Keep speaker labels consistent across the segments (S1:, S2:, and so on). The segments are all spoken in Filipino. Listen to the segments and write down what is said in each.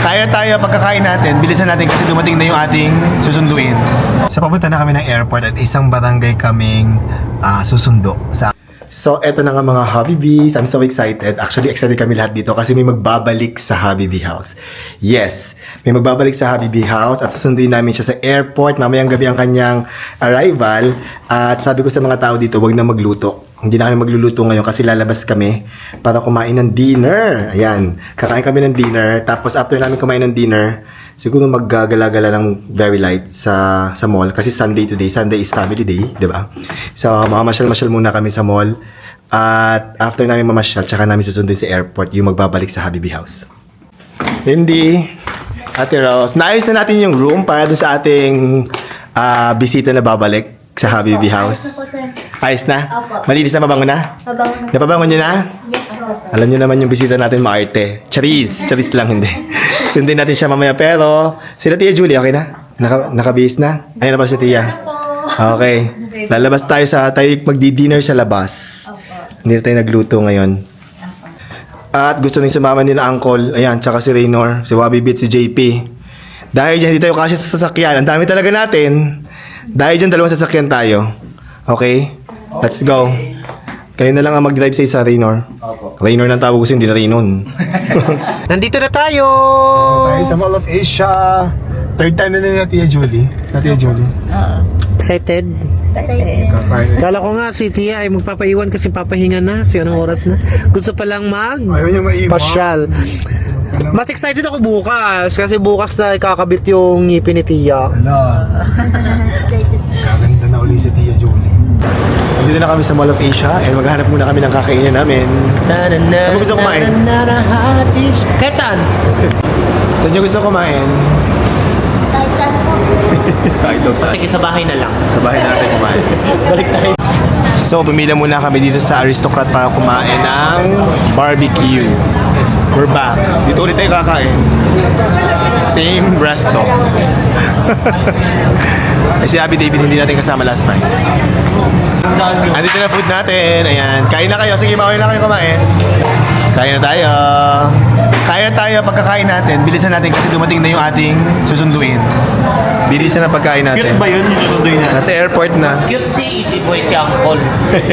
S1: Kaya tayo pagkakain natin, bilisan natin kasi dumating na yung ating susunduin. Sa papunta na kami ng airport at isang barangay kaming susundo sa... So, eto na nga mga Habibis. I'm so excited. Actually, excited kami lahat dito kasi may magbabalik sa Habibi House. Yes, may magbabalik sa Habibi House at susunduin namin siya sa airport. Mamayang gabi ang kanyang arrival. At sabi ko sa mga tao dito, wag na magluto. Hindi na kami magluluto ngayon kasi lalabas kami para kumain ng dinner. Ayan, kakain kami ng dinner. Tapos after namin kumain ng dinner, siguro maggagala-gala ng very light sa mall. Kasi Sunday today. Sunday is family day, di ba? So, mamamasyal-masyal muna kami sa mall. At after namin mamasyal, tsaka namin susundin sa airport yung magbabalik sa Habibi House. Hindi. Ate Rose, naayos na natin yung room para doon sa ating bisita na babalik sa Habibi House. Ayos na?
S2: Opo.
S1: Malinis na, mabango na?
S2: Mabango na.
S1: Napabango nyo na?
S2: Yes, po, sir.
S1: Alam nyo naman yung bisita natin maarte. Charis lang hindi. Sundin natin siya mamaya pero sila Tia Julie, okay na? Nakabihis na? Ayun na pala si Tia. Okay. Lalabas tayo magdi-dinner sa labas. Hindi na tayo nagluto ngayon. At gusto nang sumama ni na Uncle, ayan, tsaka si Raynor, si Wabi Beat, si JP. Dahil dyan, hindi tayo kasi sa sasakyan. Ang dami talaga natin. Dahil dyan, dalawang sasakyan tayo. Okay? Let's go. Kayo na lang ang mag-drive sa isa, Raynor. Raynor ng tawag ko hindi na Raynon.
S3: Nandito na tayo!
S1: Tayo sa Mall of Asia. Third time na nila Tia Julie. Tia Julie.
S3: Excited? Kala ko nga si Tia ay magpapaiwan kasi papahinga na. So anong oras na? Gusto pa lang
S1: Ayaw niya maiwan.
S3: pasyal. Mas excited ako bukas kasi bukas na ikakabit yung ngipin ni Tia.
S1: Hala. Gaganda na uli si Tia Julie. Nandito na kami sa Mall of Asia and maghahanap muna kami ng kakainin namin. Saan mo gusto kumain?
S3: Kahit saan?
S1: Saan niyo gusto kumain?
S2: Kahit saan po.
S1: Kahit daw saan.
S3: Sige, sa bahay na lang.
S1: Sa bahay natin kumain.
S3: Balik tayo.
S1: So, pumila muna kami dito sa Aristocrat para kumain ng barbecue. We're back. Dito ulit tayo kakain. Same resto. Ay, si Abby David hindi natin kasama last time. Andito na food natin. Ayan. Kain na kayo. Sige, mauwi na kayo kumain. Kain na tayo. Kain na tayo pagkakain natin. Bilisan natin kasi dumating na yung ating susunduin. Bilisan na pagkain natin.
S4: Cute ba yun yung susunduin na?
S1: Nasa airport na.
S3: Cute si Ichi Boy si Uncle.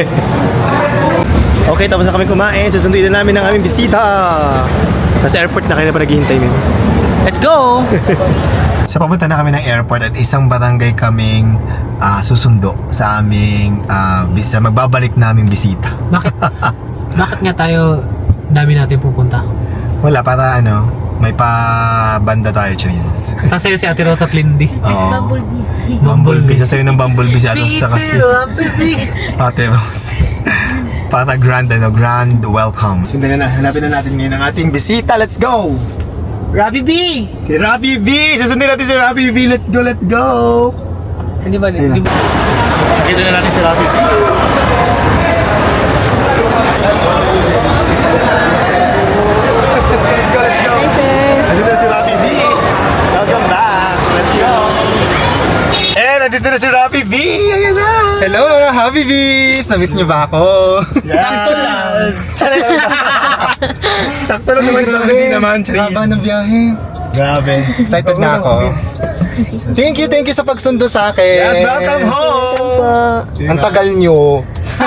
S1: Okay, tapos na kami kumain. Susunduin na namin ang aming bisita. Nasa airport na kayo na pa naghihintay min.
S3: Let's go!
S1: Sa papunta na kami ng airport at isang barangay kaming susundo sa aming magbabalik naming bisita.
S3: Bakit nga tayo dami natin pupunta?
S1: Wala, para may pa-banda tayo, Charis.
S3: Sasayo si Ate Rose at Lindy.
S1: Oo.
S2: Bumblebee.
S1: Bumblebee. Sasayo ng Bumblebee si Atos tsaka si Ate Rose. Para grand welcome. Sundan na, hanapin na natin ngayon ang ating bisita. Let's go!
S3: Robbie B!
S1: Si Robbie B! Susundin natin si Robbie B! Let's go, let's go!
S3: Hindi ba? Hindi ba?
S1: Nakita na natin si Robbie B. Let's go, let's go!
S2: Hi, sir.
S1: Nandito na si Robbie B. Welcome back! Let's go! Nandito na si Robbie B! Ayan na!
S4: Hello mga Happy Bees! Namiss niyo ba ako?
S1: Sakto lang! Sakto lang naman ito. Hindi naman, Charis.
S4: Haba ng biyahe.
S1: Grabe.
S4: Excited na ako. Thank you sa pagsundo sa akin.
S1: Yes, welcome home!
S4: Ang tagal nyo.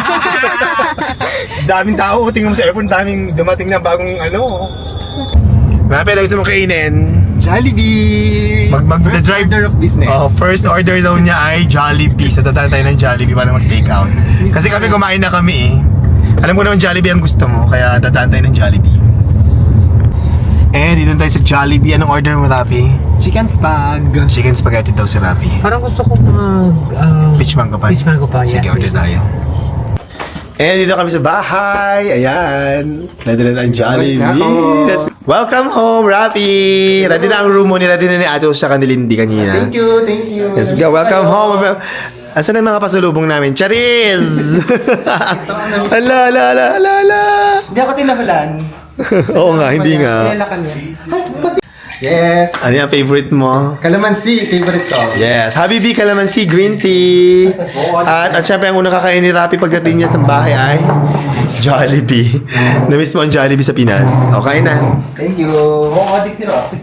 S1: Daming tao. Tingnan mo sa airport, daming dumating na bagong Marami na gusto mong kainin.
S4: Jollibee! First
S1: Mag-drive
S4: order of business.
S1: First order daw niya ay Jollibee. So dadaan tayo ng Jollibee para mag-take out. Kasi kami kumain na kami Alam ko naman Jollibee ang gusto mo, kaya dadaan tayo ng Jollibee. Dito tayo sa Jollibee. Anong order mo, Rapi?
S4: Chicken spag.
S1: Chicken spaghetti daw si Rapi.
S3: Parang gusto ko
S1: Peach mango pa.
S3: Peach mango pa,
S1: Sige,
S3: yes,
S1: order tayo. Dito kami sa bahay. Ayan. Ready na ang Jollibee. Welcome home, Rafi. Ready na ang room mo. Ready na ni Atos sa kanilindi kanina.
S4: Thank you.
S1: Let's go. Welcome home. Asan ang mga pasulubong namin? Charis! Ala.
S4: Hindi ako tinahulan.
S1: Oo nga, hindi nga.
S4: Tinalakan yan. Yes.
S1: Ano yung favorite mo?
S4: Calamansi, favorite ko.
S1: Yes, Habibi Calamansi Green Tea. At syempre ang unang kakain ni Rapi pagdating niya sa bahay ay Jollibee. Na-miss mo ang Jollibee sa Pinas. Okay na.
S4: Thank you. Oo, adik sila.